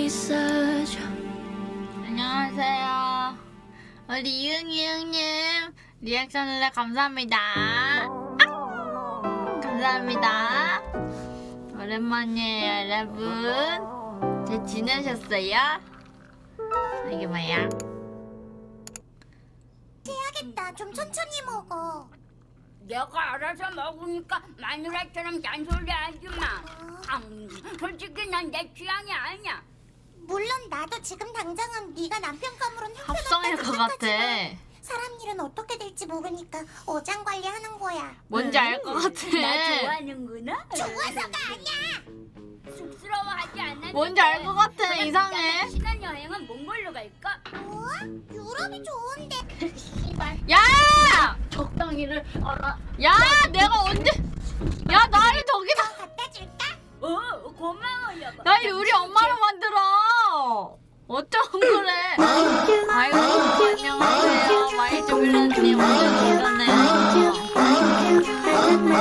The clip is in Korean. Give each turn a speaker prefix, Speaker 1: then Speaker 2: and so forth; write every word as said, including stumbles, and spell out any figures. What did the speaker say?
Speaker 1: 있어줘.
Speaker 2: 안녕하세요. 우리 이응이 형님 리액션을 감사합니다. 아! 감사합니다. 오랜만이에요, 여러분. 잘 지내셨어요? 이게 뭐야?
Speaker 3: 해야겠다. 좀 천천히 먹어.
Speaker 4: 내가 알아서 먹으니까 마누라처럼 잔소리하지 마. 음, 솔직히 난 내 취향이 아니야.
Speaker 3: 물론 나도 지금 당장은 네가 남편감으로는
Speaker 2: 합성일 것
Speaker 3: 형편없다고
Speaker 2: 같아.
Speaker 3: 생각하지만 사람 일은 어떻게 될지 모르니까 어장 관리하는 거야.
Speaker 2: 뭔지 알 것 같아.
Speaker 4: 나 좋아하는구나.
Speaker 3: 좋아서가 아니야.
Speaker 4: 쑥스러워하지 않아.
Speaker 2: 뭔지 알 것 같아. 이상해.
Speaker 4: 신혼여행은 몽골로 갈까?
Speaker 3: 뭐? 유럽이 좋은데.
Speaker 2: 야!
Speaker 4: 적당히를 알아.
Speaker 2: 야! 내가 언제? 야, 나를 저기다.
Speaker 3: 갖다 줄까?
Speaker 4: 어, 고마워 여보.
Speaker 2: 날 우리 엄마로 만들어. 어쩜 그래? 아이고.